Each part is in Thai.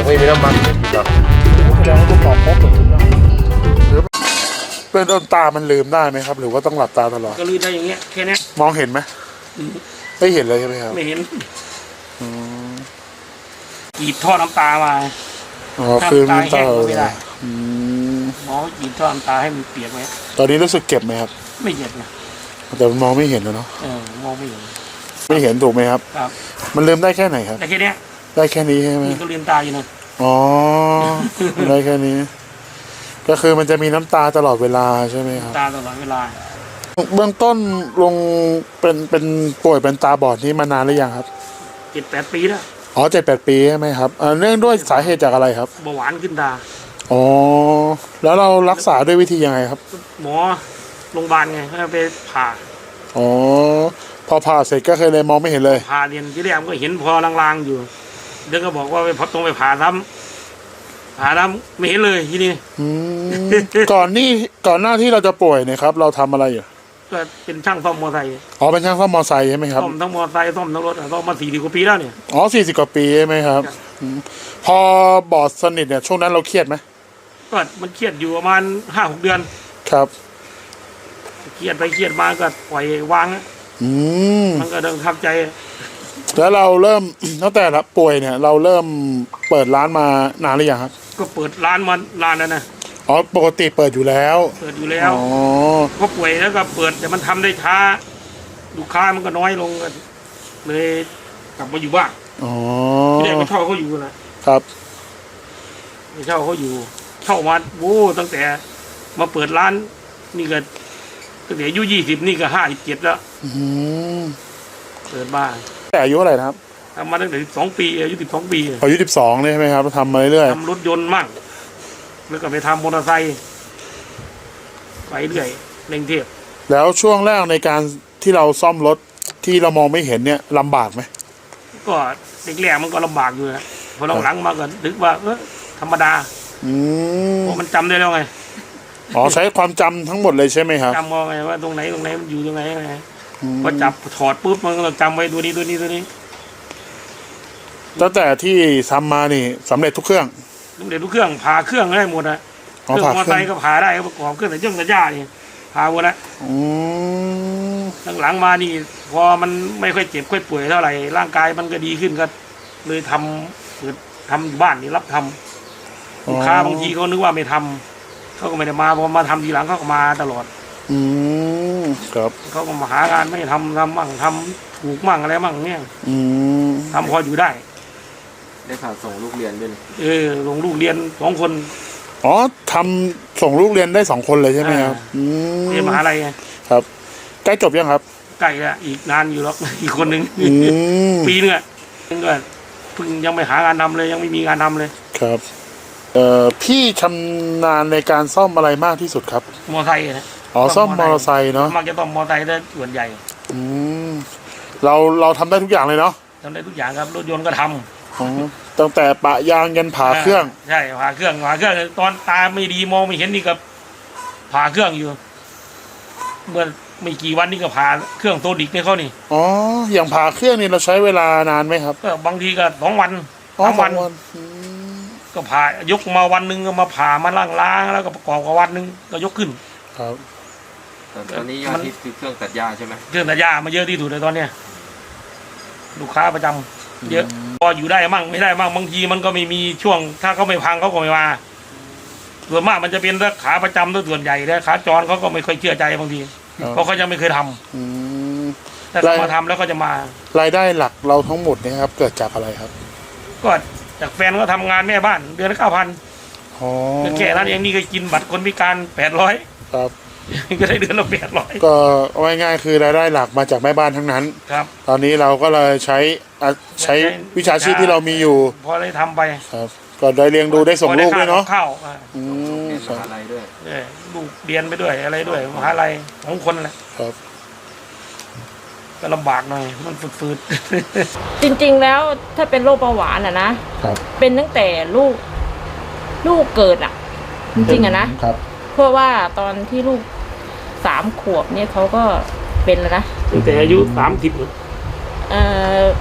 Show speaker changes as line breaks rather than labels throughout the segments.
ไม่มีน้ำมันหรอก
แสดงว่าต้องตอบครบเลยหรือเป็นต้นตามันลืมได้ไหมครับ หรือว่าต้องหลับตาตลอด
ก็ลืมได้อย่างเงี้ยแค่นี้
มองเห็นไหมไม่เห็นเลยใช่ไหมครับ
ไม่เห็นกรีดท่อน้ำตามา
อ๋อคือน้ำตา
ไม่ได้หมอกรีดท่อน้ำตาให้มันเปียกไว้
ตอนนี้รู้สึกเจ็บไหมครับ
ไม่เจ็บนะ
แต่มันมองไม่เห็นเลยเนาะ
มองไม่เห็น
ถูกไหมครับ
ครับ
มันลืมได้แค่ไหนครับ
ได้แค่นี้
ได้แค่นี้ใช่ไหม
ก็ลืมตาอยู่นะ
อ๋อได้แค่นี้ก็คือมันจะมีน้ำตาตลอดเวลาใช่ไหมครับ
ตาตลอดเวลา
เบื้องต้นลงเป็นป่วยเป็นตาบอดนี้มานานหรือยังครับ
7-8 ปีแล้ว
อ๋อ7-8 ปีใช่ไหมครับเนื่องด้วยสาเหตุจากอะไรครับ
เบาหวานขึ้นตา
อ๋อแล้วเรารักษาด้วยวิธียังไงครับ
หมอโรงพยาบาลไงเขาไปผ่า
อ๋อพอผ่าเสร็จก็เคยเลยมองไม่เห็นเลย
ผ่าเรียนที่แรกก็เห็นพอลางๆอยู่เดี๋ยวก็บอกว่าไปพอต้องไปผ่าซ้ำไม่เห็นเลยที่นี่
ก่อนหน้าที่เราจะป่วยเนี่ยครับเราทำอะไรอยู่
ก็เป็นช่างซ่อมมอเตอร์ไซค์
อ๋อเป็นช่างซ่อมมอเตอร์ไซค์ใช่ไหมครับ
ซ่อมทั้งมอเตอร์ไซค์ซ่อมทั้งรถซ่อมมา40 กว่าปีแล้วเนี่ย
อ๋อ40 กว่าปีใช่ไหมครับพอบอดสนิทเนี่ยช่วงนั้นเราเครียดไหม
ก็มันเครียดอยู่ประมาณ5-6 เดือน
ครับ
เครียดไปเครียดมาก็ปล่อยวางมันก็เดินทับใจ
แล้วเราเริ่มตั้งแต่ป่วยเนี่ยเราเริ่มเปิดร้านมานานหรือยังครับ
ก็เปิดร้านมานานแล้วนะ
อ๋อปกติเปิดอยู่แล้ว
อ๋อก็ป่วยแล้วก็เปิดแต่มันทำได้ช้าลูกค้ามันก็น้อยลงเลยกลับมาอยู่บ้าน
อ๋อ
ไม่ได้มาเช่าเขาอยู่นะครับไม่เช่าเขาอยู่เช่ามาโว้ตั้งแต่มาเปิดร้านนี่ก็ตั้งแต่อายุ20นี่ก็57แล้วเปิดบ้าน
แต่อายุอะไรครับ
ทำมาตั้งแต่12 ปีอายุ12 ปี
อายุ12เลยใช่ไหมครับทำมาเรื่อย
ทำรถยนต์มั่งแล้วก็ไปทำมอเตอร์ไซค์ไปเรื่อยในกรุงเทพ
แล้วช่วงแรกในการที่เราซ่อมรถที่เรามองไม่เห็นเนี่ยลำบากไหม
ก็เด็กแรกมันก็ลำบากอยู่นะพอหลังมาก็นึกว่าธรรมดาเพราะมันจำได้แล้วไง
อ๋อใช้ความจำทั้งหมดเลยใช่ไหมครับ
จำมองไงว่าตรงไหนมันอยู่ตรงไหนไงพอจับถอดปุ๊บมันก็จำไว้ตัวนี้
ตั้งแต่ที่ทำมานี่สำเร็จทุกเครื่อง
ผ่าเครื่องได้หมดนะเครื่องมอเตอร์ไซค์ก็ผ่าได้ประกอบเครื่องแต่แต่ย่านี่ผ่าหมดแล้วหลังมานี่พอมันไม่ค่อยเจ็บค่อยป่วยเท่าไหร่ร่างกายมันก็ดีขึ้นก็เลยทำบ้านนี่รับทำลูกค้าบางทีเขานึกว่าไม่ทำเขาก็ไม่ได้มาพอมาทำทีหลังเขาก็มาตลอด
ครับ
เขาก็มาหางานไม่ทำมั่งทำถูกมั่งอะไรมั่งเนี่ยทำพออยู่ได้
พาส่งลูกเรียนด้วย
ลงลูกเรียน2 คน
อ๋อทำส่งลูกเรียนได้2 คนเลยใช่ไหมครับ
เรียนมหาลัยไง
ครับใกล้จบยังครับ
ใกล้แล้วอีกนานอยู่หรอกอีกคนนึงปีนึงก็เพิ่งยังไม่หางานทำเลยยังไม่มีงานทำเลย
ครับพี่ชำนาญในการซ่อมอะไรมากที่สุดครับ
มอเตอร์ไซค์นะ
อ๋อซ่อมมอเตอร์ไซค์เนาะ
มักจะต้องมอเตอร์ไซค์ได้ส่วนใหญ่
เราทำได้ทุกอย่างเลยเนาะ
ทำได้ทุกอย่างครับรถยนต์ก็ทำ
ตั้งแต่ปะยางยันผ่าเครื่อง
ใช่ผ่าเครื่องตอนตาไม่ดีมองไม่เห็นนี่ก็ผ่าเครื่องอยู่เมื่อไม่กี่วันนี่ก็ผ่าเครื่องโซดิกให้เขานี่
อ๋ออย่างผ่าเครื่องนี่เราใช้เวลานานไหมครับ
ก็บางทีก็2 วัน3 วันก็ผ่ายกมาวันนึงก็มาผ่ามาล้างแล้วก็ประกอบกับวันนึงก็ยกขึ้น
ครับ
ตอนนี้ยอดฮิตคือเครื่องตัดหญ้าใช่ไหม
เครื่องตัดหญ้ามาเยอะที่สุดเลยตอนเนี้ยลูกค้าประจำเยอะพออยู่ได้มั่งไม่ได้มั่งบางทีมันก็ไม่มีช่วงถ้าเขาไม่พังเขาก็ไม่มาส่วนมากมันจะเป็นขาประจำตัวส่วนใหญ่แล้วขาจรเขาก็ไม่ค่อยเชื่อใจบางทีเพราะเขายังไม่เคยทำแต่เขามาทำแล้วก็จะมาร
ายได้หลักเราทั้งหมดเนี่ยครับเกิดจากอะไรครับ
ก็จากแฟนก็ทำงานแม่บ้านเดือนละ9,000แค่นั้นเองนี่ก็กินบัตรคนพิการ800
ครับ
ก็ได้เดือนละ800
ก็ง่ายๆคือรายได้หลักมาจากแม่บ้านทั้งนั้น
ครับ
ตอนนี้เราก็เลยใช้วิชาชีพที่เรามีอยู่
พอได้ทำไป
ครับก็ได้เลี้ยงดูได้ส่งลูกด้วยเนาะ
เข้าม
หาลัยด้วย
ลูกเรียนไปด้วยอะไรด้วยมหาลัย2 คนแหละ
ครับ
ก็ลำบากหน่อยมันฝืด
จริงๆแล้วถ้าเป็นโรคเบาหวานนะเป็นตั้งแต่ลูกเกิดจริงๆนะครับเพราะว่าตอนที่ลูก3 ขวบเนี่ยเขาก็เป็นแล้วนะ
ตั้งแต่อายุ30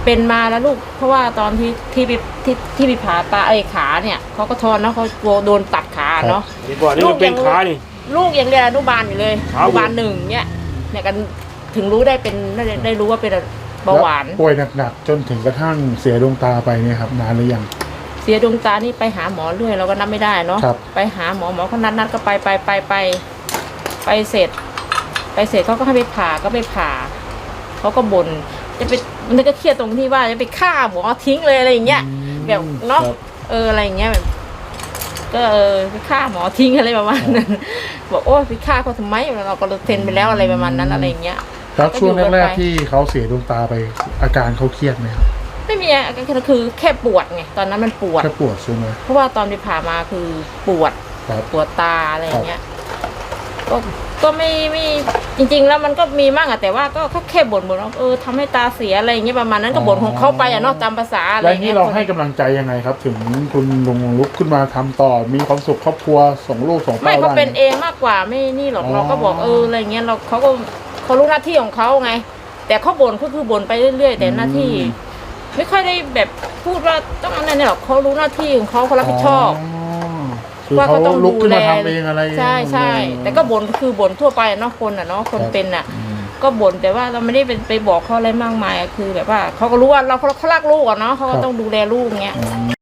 เป็นมาแล้วลูก เพราะว่าตอนที่ไปผ่าตาขาเนี่ยเขาก็ทอนเนาะเขากลัวโดนตัดขาเนาะ
นี่ก่อนนี่มันเป็นขานี่
ลูกยังเรียนอนุบาลอยู่เลย
ขา
อ
เวอะ
นุบาล1เนี่ยกันถึงรู้ได้รู้ว่าเป็นเบาหวาน
แล้วป่วยหนักๆจนถึงกระทั่งเสียดวงตาไปเนี่ยครับนานหรือยัง
เสียดวงตานี่ไปหาหมอเรื่อยเราก็นับไม่ได้เนาะ
ครับ
ไปหาหมอเขานัดก็ไปเสร็จเขาก็ให้ไปผ่าก็ไปผ่าเขาก็บ่นจะไปมันก็เครียดตรงที่ว่าจะไปฆ่าหมอทิ้งเลยอะไรอย่างเงี้ยแบบเนาะ
ครับ
อะไรอย่างเงี้ยแบบก็ไปฆ่าหมอทิ้งอะไรประมาณนั้นบอกโอ้ไปฆ่าเขาทำไมเราก็เซ็นไปแล้วอะไรประมาณนั้นอะไรอย่างเงี้ย
แล้วช่วงแรกๆที่เขาเสียดวงตาไปอาการเขาเครียดไหมครับ
ไม่มีอาการคือแค่ปวดไงตอนนั้นมันปวด
แค่ปวดใช่ไหม
เพราะว่าตอนไปผ่ามาคือปวด
ครับ
ปวดตาอะไรอย่างเงี้ยก็ไม่จริงๆแล้วมันก็มีมั่งอะแต่ว่าก็แค่บ่นว่าทำให้ตาเสียอะไรอย่างเงี้ยประมาณนั้นก็บ่นของเขาไปอะเนาะตามภาษาอะไร
แล้วนี่
เงี้ย
เราให้กำลังใจยังไงครับ ถึงคุณลุงลุกขึ้นมาทำต่อมีความสุขครอบครัวส่งลูกส่ง
ไม่
เต้า
เขา
ได้
เป็นเองมากกว่าไม่นี่หรอก
อ๋อ
เราก็บอกอะไรเงี้ยเขารู้หน้าที่ของเขาไง แต่เขาบ่นก็คือบ่นไปเรื่อยๆแต่หน้าที่ ไม่ค่อยได้แบบพูดว่าต้องอะไรเนี่ยหรอกเขารู้หน้าที่ของเขารับผิดชอบ
คือ
ว่า
เขา
เขาต้อง
ลุกขึ้นมา
ดูแล
ทำเองอะไร
ใช่แต่ก็บ่นคือบ่นทั่วไปเนาะคนอ่ะเนาะคนเป็นอ่ะ ก็บ่นแต่ว่าเราไม่ได้ไปบอกเขาอะไรมากมายอะคือแบบว่าเขาก็รู้ว่าเขารักลูกอะเนาะเขาก็ต้องดูแลลูกเงี้ย